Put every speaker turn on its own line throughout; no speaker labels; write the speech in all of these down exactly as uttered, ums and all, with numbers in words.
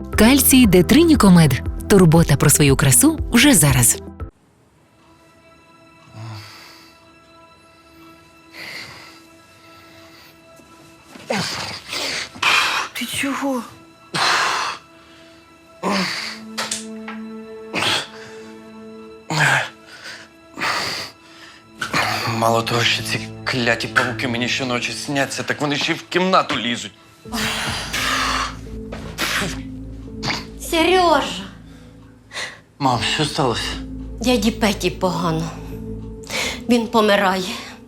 Кальцій Детринікомед. Турбота про свою красу вже зараз.
Ти чого?
Мало того, що ці кляті павуки мені щоночі сняться, так вони ще й в кімнату лізуть.
Сережа,
Мам, що сталося?
дяді Петі погано. Він помирає.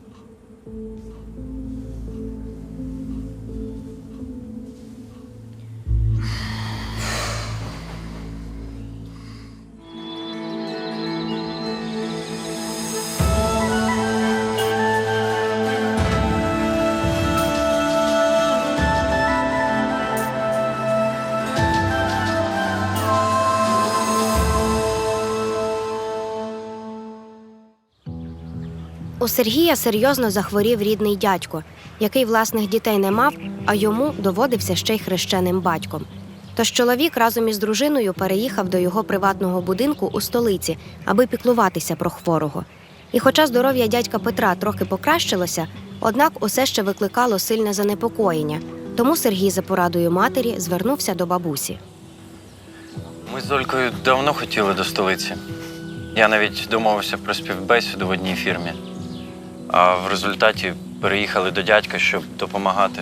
У Сергія серйозно захворів рідний дядько, який власних дітей не мав, а йому доводився ще й хрещеним батьком. Тож чоловік разом із дружиною переїхав до його приватного будинку у столиці, аби піклуватися про хворого. І хоча здоров'я дядька Петра трохи покращилося, однак усе ще викликало сильне занепокоєння. Тому Сергій за порадою матері звернувся до бабусі.
Ми з Олькою давно хотіли до столиці. Я навіть домовився про співбесіду в одній фірмі. А в результаті переїхали до дядька, щоб допомагати.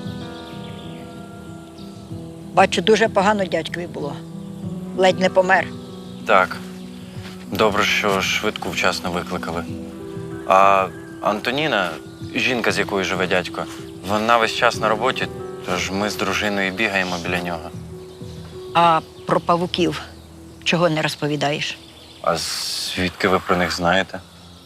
Бачу, дуже погано дядькові було. Ледь не помер.
Так. Добре, що швидку вчасно викликали. А Антоніна, жінка, з якою живе дядько, вона весь час на роботі, тож ми з дружиною бігаємо біля нього.
А про павуків чого не розповідаєш?
А звідки ви про них знаєте?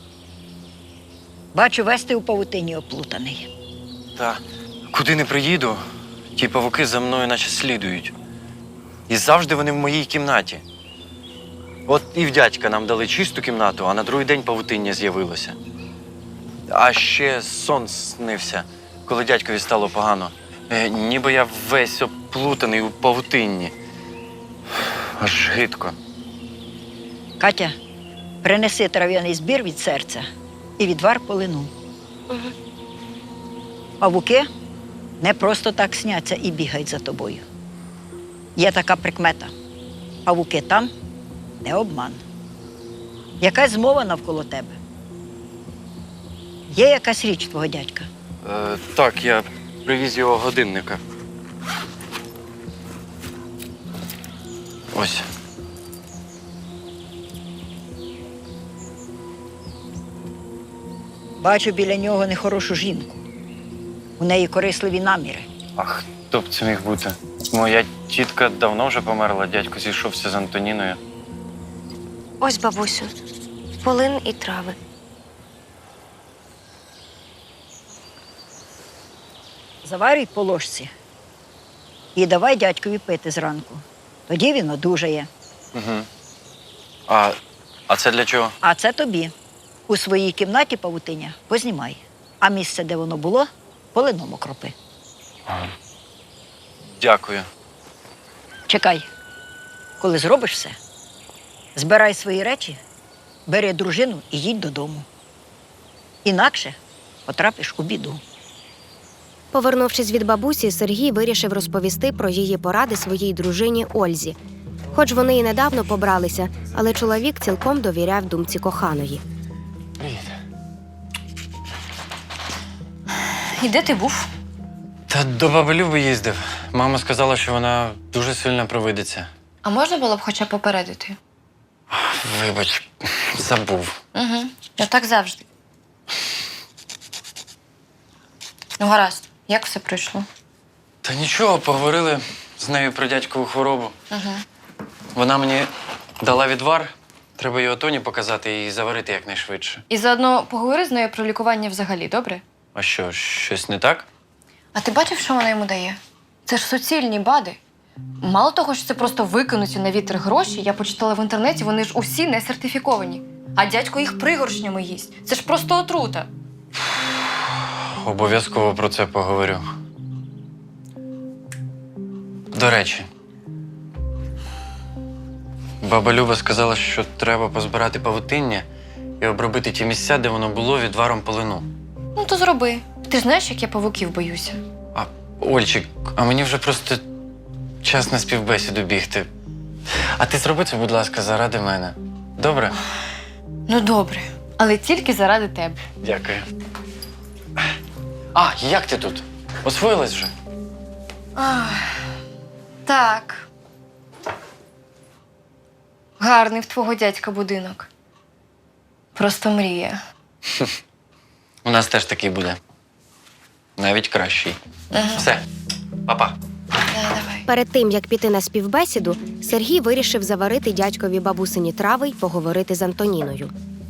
Бачу, весь ти у павутині оплутаний.
Та куди не приїду, ті павуки за мною наче слідують. І завжди вони в моїй кімнаті. От і в дядька нам дали чисту кімнату, а на другий день павутиння з'явилося. А ще сон снився, коли дядькові стало погано. Е, ніби я весь оплутаний у павутинні. Аж гидко.
Катя, принеси трав'яний збір від серця і відвар полину.
Угу.
Павуки не просто так сняться і бігають за тобою. Є така прикмета. Павуки там – не обман. Якась змова навколо тебе. Є якась річ твого дядька?
Е, так, я привіз його годинника. Ось.
Бачу біля нього нехорошу жінку. У неї корисливі наміри.
А хто б це міг бути? Моя тітка давно вже померла, дядько зійшовся з Антоніною.
Ось, бабусю, полин і трави.
Заварюй по ложці і давай дядькові пити зранку. Тоді він одужає.
Угу. А, а це для чого?
А це тобі. У своїй кімнаті павутиння познімай. А місце, де воно було, полином окропи.
Ага. Дякую.
Чекай. Коли зробиш все, збирай свої речі, бери дружину і їдь додому. Інакше потрапиш у біду.
Повернувшись від бабусі, Сергій вирішив розповісти про її поради своїй дружині Ользі. Хоч вони і недавно побралися, але чоловік цілком довіряв думці коханої.
Привіт.
І де ти був?
Та до баби Люби їздив. Мама сказала, що вона дуже сильно провидиться.
А можна було б хоча б попередити?
Вибач, забув.
Угу. Я так завжди. Ну, гаразд. Як все пройшло?
Та нічого, поговорили з нею про дядькову хворобу.
Угу.
Вона мені дала відвар, треба його Тоні показати і заварити якнайшвидше.
І заодно поговори з нею про лікування взагалі, добре?
А що, щось не так?
А ти бачив, що вона йому дає? Це ж суцільні БАДи. Мало того, що це просто викинуті на вітер гроші, я почитала в інтернеті, вони ж усі не сертифіковані. А дядько їх пригоршнями їсть. Це ж просто отрута.
Обов'язково про це поговорю. До речі, Баба Люба сказала, що треба позбирати павутиння і обробити ті місця, де воно було відваром полину.
Ну, то зроби. Ти ж знаєш, як я павуків боюся.
А, Ольчик, а мені вже просто час на співбесіду бігти. А ти зроби це, будь ласка, заради мене. Добре?
Ну, добре. Але тільки заради тебе.
Дякую. А, як ти тут? Освоїлась вже?
Ах, так. Гарний в твого дядька будинок. Просто мрія.
У нас теж такий буде. Навіть кращий.
Ага.
Все, па-па.
Да, давай.
Перед тим, як піти на співбесіду, Сергій вирішив заварити дядькові бабусині трави й поговорити з Антоніною.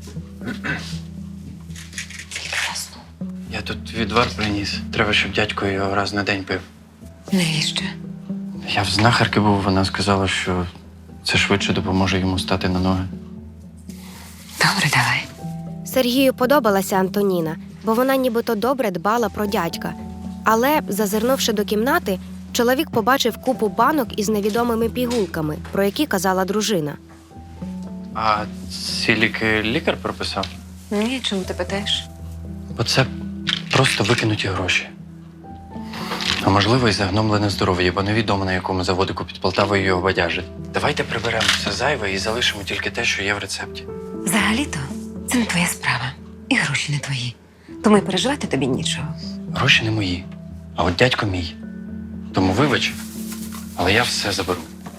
Я тут відвар приніс. Треба, щоб дядько його раз на день пив.
Навіщо?
Я в знахарки був, вона сказала, що це швидше допоможе йому стати на ноги.
Добре, давай.
Сергію подобалася Антоніна, бо вона нібито добре дбала про дядька. Але, зазирнувши до кімнати, чоловік побачив купу банок із невідомими пігулками, про які казала дружина.
А ці ліки лікар прописав?
Ні, чому ти питаєш?
Бо це просто викинуті гроші. А можливо, і загномлене здоров'я, бо невідомо, на якому заводику під Полтавою його бадяжить. Давайте приберемо все зайве і залишимо тільки те, що є в рецепті.
Взагалі-то це не твоя справа. І гроші не твої. Тому й переживати тобі нічого.
Гроші не мої, а от дядько мій. Тому вибач, але я все заберу.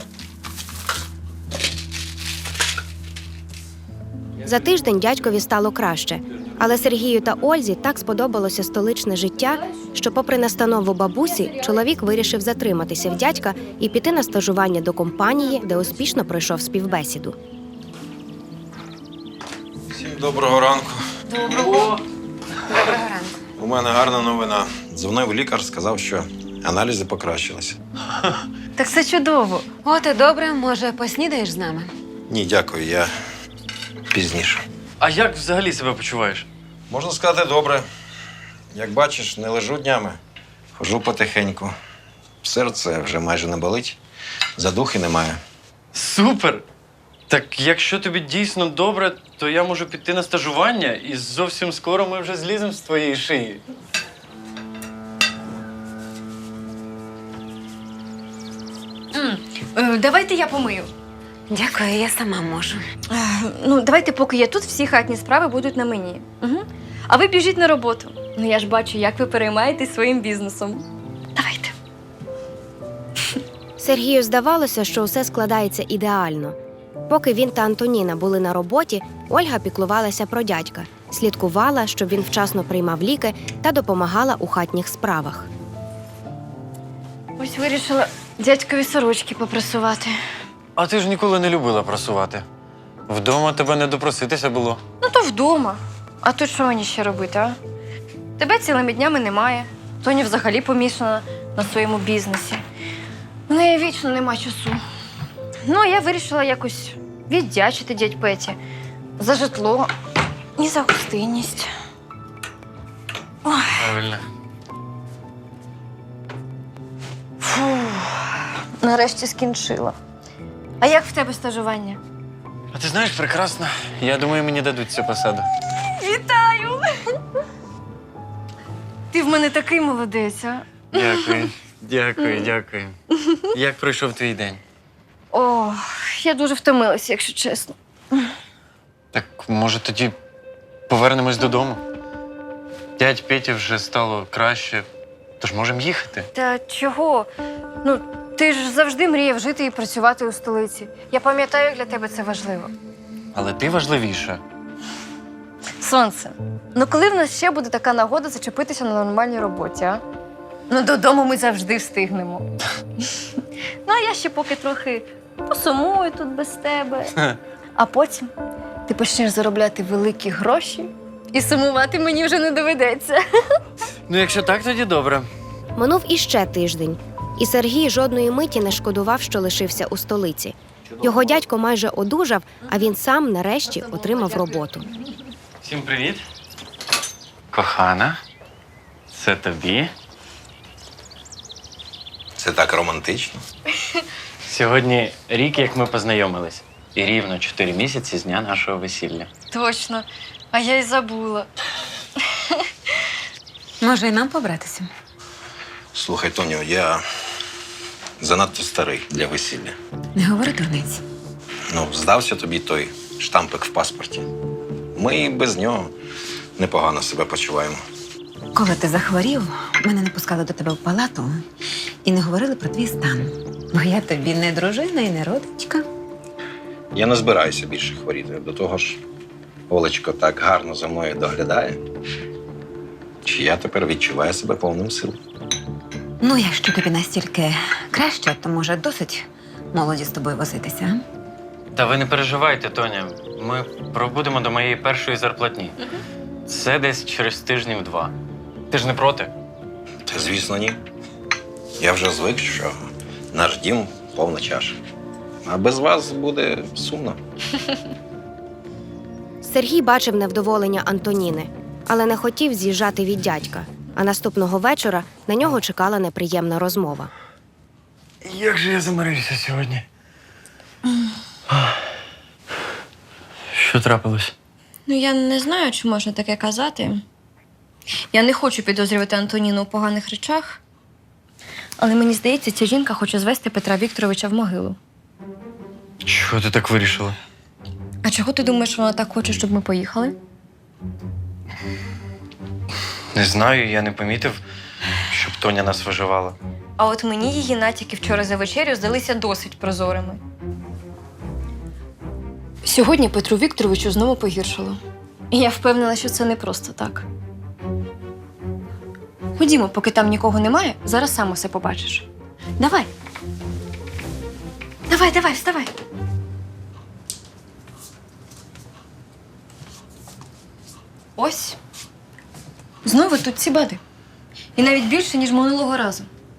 За тиждень дядькові стало краще. Але Сергію та Ользі так сподобалося столичне життя, що, попри настанову бабусі, чоловік вирішив затриматися в дядька і піти на стажування до компанії, де успішно пройшов співбесіду.
Всім доброго ранку.
Доброго. Доброго ранку.
У мене гарна новина. Дзвонив лікар, сказав, що аналізи покращилися.
Так це чудово.
От і добре, може, поснідаєш з нами?
Ні, дякую, я пізніше.
А як взагалі себе почуваєш?
Можна сказати, добре. Як бачиш, не лежу днями. Хожу потихеньку. Серце вже майже не болить, задухи немає.
Супер! Так якщо тобі дійсно добре, то я можу піти на стажування, і зовсім скоро ми вже зліземо з твоєї шиї.
Е, Давайте я помию.
Дякую, я сама можу.
Е, Ну, давайте, поки я тут, всі хатні справи будуть на мені. Угу. А ви біжіть на роботу. Ну, я ж бачу, як ви переймаєтесь своїм бізнесом. Давайте.
Сергію здавалося, що усе складається ідеально. Поки він та Антоніна були на роботі, Ольга піклувалася про дядька, слідкувала, щоб він вчасно приймав ліки та допомагала у хатніх справах.
Ось вирішила дядькові сорочки попрасувати.
А ти ж ніколи не любила прасувати. Вдома тебе не допроситися було.
Ну, то вдома. А тут що мені ще робити, а? Тебе цілими днями немає. Тоня взагалі помішана на своєму бізнесі. В неї вічно нема часу. Ну, а я вирішила якось віддячити дядь Петі за житло і за гостинність. Ой,
Правильно.
фу, нарешті скінчила. А як в тебе стажування?
А ти знаєш, прекрасно. Я думаю, мені дадуть цю посаду.
Вітаю! Ти в мене такий молодець, а?
Дякую, дякую, дякую. Як пройшов твій день?
О, я дуже втомилася, якщо чесно.
Так, може, тоді повернемось додому? Дядь Петі вже стало краще, тож можемо їхати.
Та чого? Ну, ти ж завжди мріяв жити і працювати у столиці. Я пам'ятаю, як для тебе це важливо.
Але ти важливіша.
Сонце, ну коли в нас ще буде така нагода зачепитися на нормальній роботі, а? Ну, додому ми завжди встигнемо. Ну, а я ще поки трохи посумую тут без тебе. А потім ти почнеш заробляти великі гроші, і сумувати мені вже не доведеться.
Ну, якщо так, тоді добре.
Минув іще тиждень, і Сергій жодної миті не шкодував, що лишився у столиці. Його дядько майже одужав, а він сам нарешті отримав роботу.
Всім привіт. Кохана, це тобі.
Це так романтично.
Сьогодні рік, як ми познайомились. І рівно чотири місяці з дня нашого весілля.
Точно. А я й забула.
Може, і нам побратися?
Слухай, Тоню, я занадто старий для весілля.
Не говори дурниць.
Ну, здався тобі той штампик в паспорті. Ми і без нього непогано себе почуваємо.
Коли ти захворів, мене не пускали до тебе в палату і не говорили про твій стан. Бо я тобі не дружина і не родичка.
Я не збираюся більше хворіти. До того ж, Олечко так гарно за мною доглядає, що я тепер відчуваю себе повним сил.
Ну, якщо тобі настільки краще, то може досить молоді з тобою возитися. а?
Та ви не переживайте, Тоня. Ми пробудемо до моєї першої зарплатні. Це десь через тижнів два. Ти ж не проти?
Та, звісно, ні. Я вже звик, що наш дім повна чаша. А без вас буде сумно.
Сергій бачив невдоволення Антоніни, але не хотів з'їжджати від дядька. А наступного вечора на нього чекала неприємна розмова.
Як же я замирився сьогодні? Що трапилось?
Ну, я не знаю, чи можна таке казати. Я не хочу підозрювати Антоніну у поганих речах, але мені здається, ця жінка хоче звести Петра Вікторовича в могилу.
Чого ти так вирішила?
А чого ти думаєш, вона так хоче, щоб ми поїхали?
Не знаю, я не помітив, щоб Тоня нас виживала.
А от мені її натяки вчора за вечерю здалися досить прозорими. Сьогодні Петру Вікторовичу знову погіршило. І я впевнена, що це не просто так. Ходімо, поки там нікого немає, зараз сам усе побачиш. Давай. Давай, давай, вставай. Ось. Знову тут ці бади. І навіть більше, ніж минулого разу.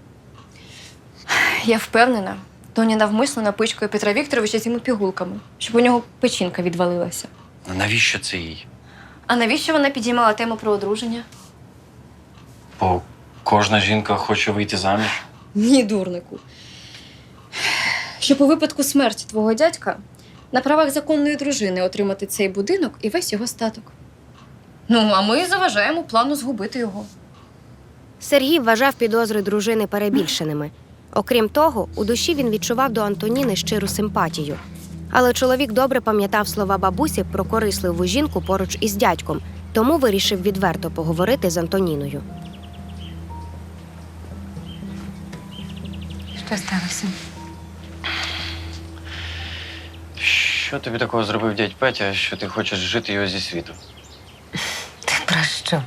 Я впевнена, Тоня навмисно напичкує Петра Вікторовича цими пігулками, щоб у нього печінка відвалилася.
А навіщо це їй?
А навіщо вона підіймала тему про одруження?
Бо кожна жінка хоче вийти заміж.
Ні, дурнику. Щоб у випадку смерті твого дядька на правах законної дружини отримати цей будинок і весь його статок. Ну, а ми заважаємо плану згубити його.
Сергій вважав підозри дружини перебільшеними. Окрім того, у душі він відчував до Антоніни щиру симпатію. Але чоловік добре пам'ятав слова бабусі про корисливу жінку поруч із дядьком, тому вирішив відверто поговорити з Антоніною.
Що сталося?
Що тобі такого зробив дядь Петя, що ти хочеш жити його зі світу?
Ти про що?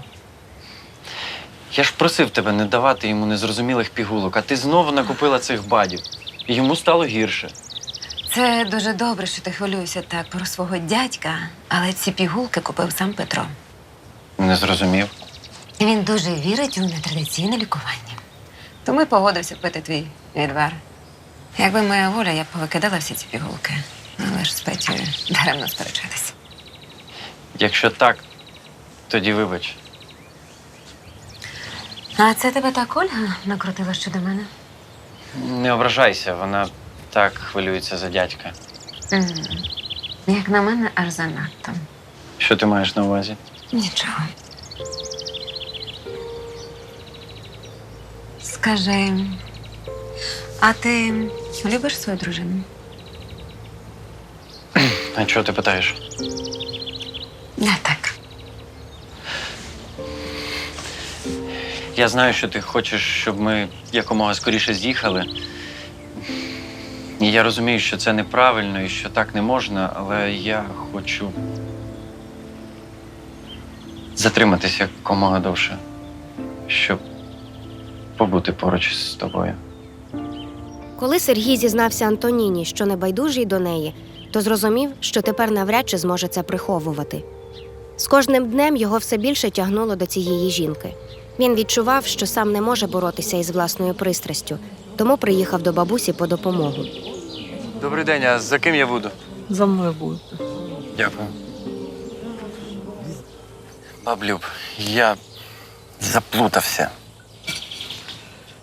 Я ж просив тебе не давати йому незрозумілих пігулок, а ти знову накупила цих бадів. І йому стало гірше.
Це дуже добре, що ти хвилюєшся так про свого дядька, але ці пігулки купив сам Петро.
Не зрозумів.
Він дуже вірить у нетрадиційне лікування. Тому й погодився пити твій відвар. Якби моя воля, я б повикидала всі ці пігулки. Але ж з Петєю даремно сперечатися.
Якщо так, тоді вибач.
А це тебе так Ольга накрутила щодо мене?
Не ображайся, вона так хвилюється за дядька.
М. Як на мене, аж занадто.
Що ти маєш на увазі?
Нічого. Скажи, а ти любиш свою дружину?
А чого ти питаєш?
Не так.
Я знаю, що ти хочеш, щоб ми якомога скоріше з'їхали. І я розумію, що це неправильно і що так не можна, але я хочу затриматися якомога довше, щоб побути поруч з тобою.
Коли Сергій зізнався Антоніні, що небайдужий до неї, то зрозумів, що тепер навряд чи зможе це приховувати. З кожним днем його все більше тягнуло до цієї жінки. Він відчував, що сам не може боротися із власною пристрастю, тому приїхав до бабусі по допомогу.
Добрий день, а за ким я буду?
За мною будете.
Дякую. Баблюб, я заплутався.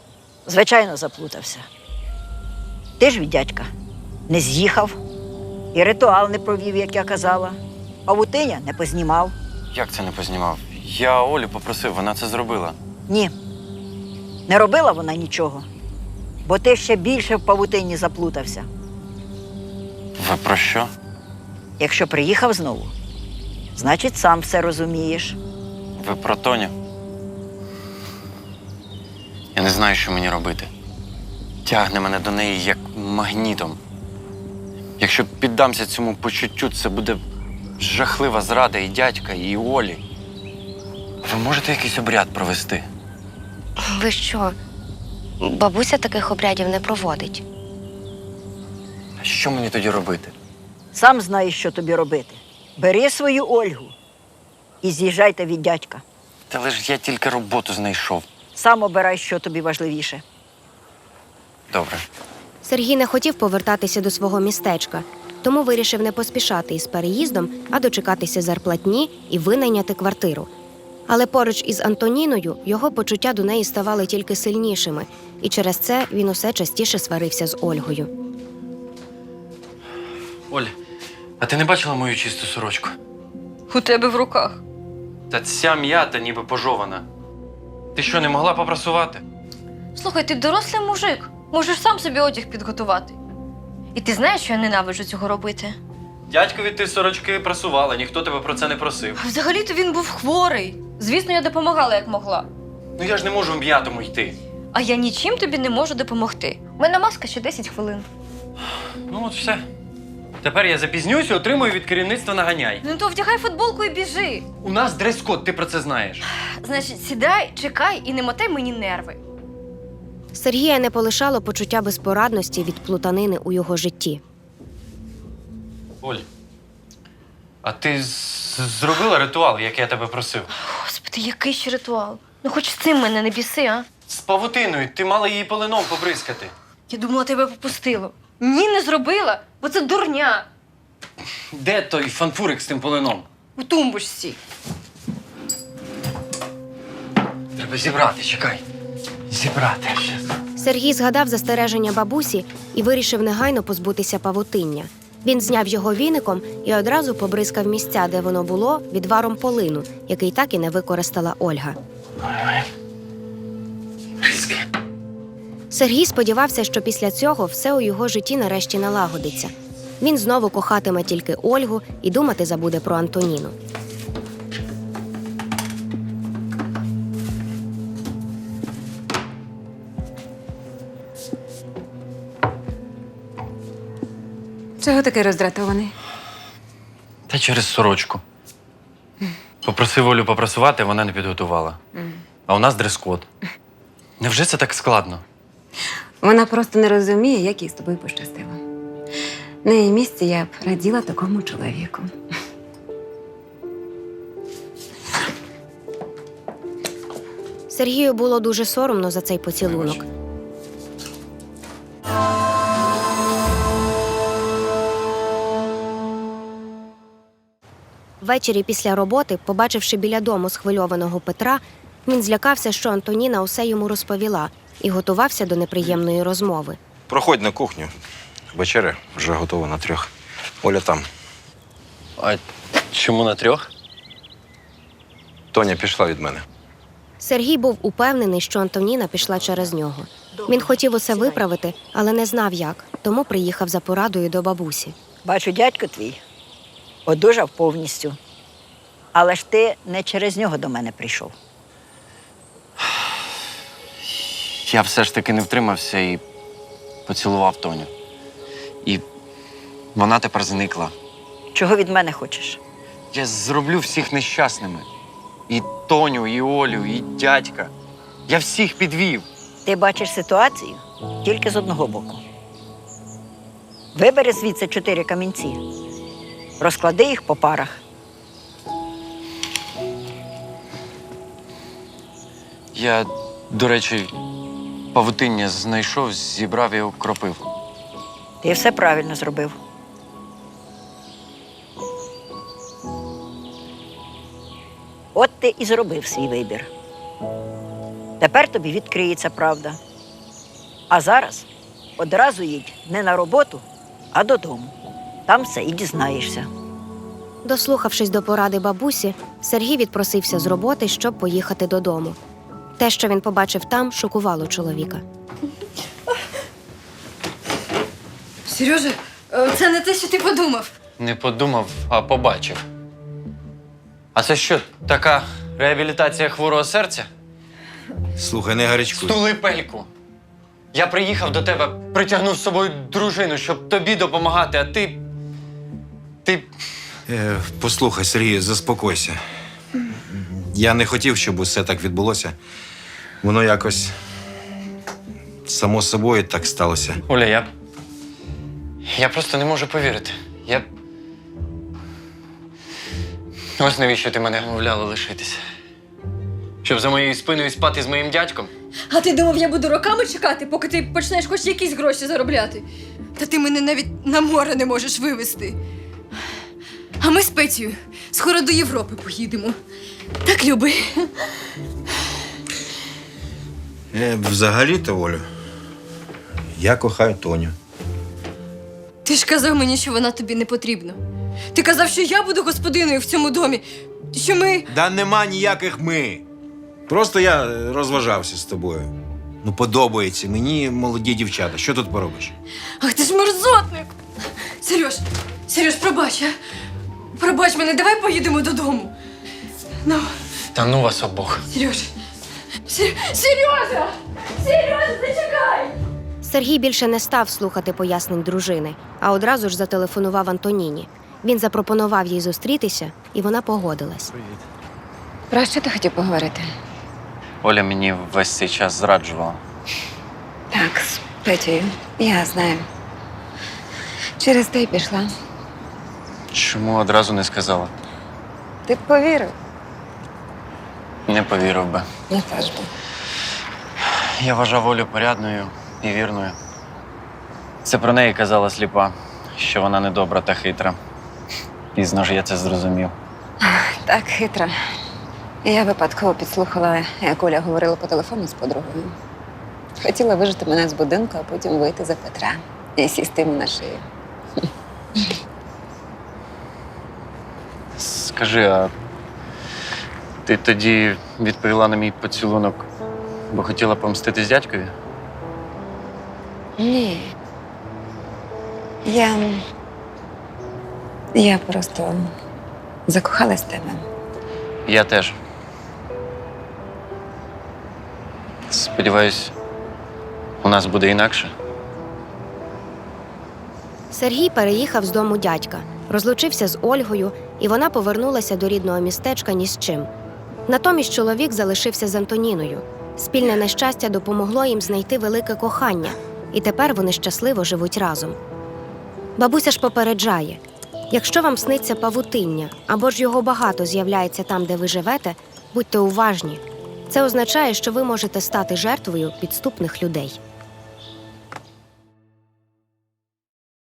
Звичайно, заплутався. Ти ж від дядька не з'їхав І ритуал не провів, як я казала. Павутиння не познімав.
Як це не познімав? Я Олю попросив, вона це зробила.
Ні. Не робила вона нічого. Бо ти ще більше в павутинні заплутався.
Ви про що?
Якщо приїхав знову, значить, сам все розумієш.
Ви про Тоню? Я не знаю, що мені робити. Тягне мене до неї як магнітом. Якщо піддамся цьому почуттю, це буде жахлива зрада і дядька, і Олі. Ви можете якийсь обряд провести?
Ви що? Бабуся таких обрядів не проводить.
А що мені тоді робити?
Сам знаєш, що тобі робити. Бери свою Ольгу і з'їжджайте від дядька.
Та лиш я тільки роботу знайшов.
Сам обирай, що тобі важливіше.
Добре.
Сергій не хотів повертатися до свого містечка, тому вирішив не поспішати із переїздом, а дочекатися зарплатні і винайняти квартиру. Але поруч із Антоніною його почуття до неї ставали тільки сильнішими, і через це він усе частіше сварився з Ольгою.
Оль, а ти не бачила мою чисту сорочку?
У тебе в руках.
Та ця м'ята ніби пожована. Ти що, не могла попрасувати?
Слухай, ти дорослий мужик. Можеш сам собі одяг підготувати. І ти знаєш, що я ненавиджу цього робити?
Дядькові ти сорочки прасувала, ніхто тебе про це не просив.
А взагалі-то він був хворий. Звісно, я допомагала, як могла.
Ну я ж не можу в м'ятому йти.
А я нічим тобі не можу допомогти. У мене маска ще десять хвилин.
Ну от все. Тепер я запізнююся, отримую від керівництва наганяй.
Ну то вдягай футболку і біжи.
У нас дрес-код, ти про це знаєш.
Значить, сідай, чекай і не мотай мені нерви.
Сергія не полишало почуття безпорадності від плутанини у його житті.
Оль, а ти з- зробила ритуал, як я тебе просив?
Господи, який ще ритуал? Ну хоч з цим мене не біси, а?
З павутиною, ти мала її полином побризкати.
Я думала, тебе попустило. Ні, не зробила, бо це дурня.
Де той фанфурик з тим полином?
У тумбочці.
Треба зібрати, чекай. Зібрати щас.
Сергій згадав застереження бабусі і вирішив негайно позбутися павутиння. Він зняв його віником і одразу побризкав місця, де воно було, відваром полину, який так і не використала Ольга.
Бризки.
Сергій сподівався, що після цього все у його житті нарешті налагодиться. Він знову кохатиме тільки Ольгу і думати забуде про Антоніну.
Чого такий роздратований?
Та через сорочку. Попросив Олю попрасувати, вона не підготувала. А у нас дрес-код. Невже це так складно?
Вона просто не розуміє, як їй з тобою пощастило. На її місці я б раділа такому чоловіку.
Сергію було дуже соромно за цей поцілунок. Ввечері після роботи, побачивши біля дому схвильованого Петра, він злякався, що Антоніна усе йому розповіла і готувався до неприємної розмови.
Проходь на кухню. Вечеря вже готова на трьох. Оля там.
А чому на трьох?
Тоня пішла від мене.
Сергій був упевнений, що Антоніна пішла через нього. Він хотів усе виправити, але не знав як, тому приїхав за порадою до бабусі.
Бачу, дядько твій одужав повністю. Але ж ти не через нього до мене прийшов.
Я все ж таки не втримався і поцілував Тоню. І вона тепер зникла.
Чого від мене хочеш?
Я зроблю всіх нещасними. І Тоню, і Олю, і дядька. Я всіх підвів.
Ти бачиш ситуацію тільки з одного боку. Вибери звідси чотири камінці. Розклади їх по парах.
Я, до речі, павутиння знайшов, зібрав і окропив.
Ти все правильно зробив. От ти і зробив свій вибір. Тепер тобі відкриється правда. А зараз одразу їдь не на роботу, а додому. Там все і дізнаєшся.
Дослухавшись до поради бабусі, Сергій відпросився з роботи, щоб поїхати додому. Те, що він побачив там, шокувало чоловіка.
Сережа, е, це не те, що ти подумав.
Не подумав, а побачив. А це що, така реабілітація хворого серця?
Слухай, не гарячкуй.
Стули пельку. Я приїхав до тебе, притягнув з собою дружину, щоб тобі допомагати, а ти. Ти.
Е, послухай, Сергій, заспокойся. Я не хотів, щоб усе так відбулося. Воно якось само собою так сталося.
Оля, я. Я просто не можу повірити. Я. Ось навіщо ти мене вмовляла лишитися. Щоб за моєю спиною спати з моїм дядьком?
А ти думав, я буду роками чекати, поки ти почнеш хоч якісь гроші заробляти? Та ти мене навіть на море не можеш вивезти. А ми з Петєю скоро до Європи поїдемо. Так, люби.
Е, взагалі-то, Олю, я кохаю Тоню.
Ти ж казав мені, що вона тобі не потрібна. Ти казав, що я буду господиною в цьому домі, що ми…
Да нема ніяких ми. Просто я е, розважався з тобою. Ну, подобається мені молоді дівчата. Що тут поробиш?
Ах, ти ж мерзотник! Сереж, Сереж, пробач, а? Пробач мене, давай поїдемо додому. Ну,
Та ну вас обох.
Сереж, Сер... Сережа! Сережа, зачекай!
Сергій більше не став слухати пояснень дружини, а одразу ж зателефонував Антоніні. Він запропонував їй зустрітися, і вона погодилась.
Про що ти хотів поговорити?
Оля мені весь цей час зраджувала.
Так, з Петєю. Я знаю. Через те й пішла.
Чому одразу не сказала?
Ти б повірив?
Не повірив би.
Я теж би.
Я вважав Олю порядною і вірною. Це про неї казала сліпа, що вона недобра та хитра. Пізно ж я це зрозумів.
Так хитро. Я випадково підслухала, як Оля говорила по телефону з подругою. Хотіла вижити мене з будинку, а потім вийти за Петра і сісти йому на шию.
Скажи, а ти тоді відповіла на мій поцілунок, бо хотіла помститись дядькові?
Ні. Я. Я просто закохалась в тебе.
Я теж. Сподіваюсь, у нас буде інакше.
Сергій переїхав з дому дядька, розлучився з Ольгою, і вона повернулася до рідного містечка ні з чим. Натомість чоловік залишився з Антоніною. Спільне нещастя допомогло їм знайти велике кохання, і тепер вони щасливо живуть разом. Бабуся ж попереджає, якщо вам сниться павутиння, або ж його багато з'являється там, де ви живете, будьте уважні. Це означає, що ви можете стати жертвою підступних людей.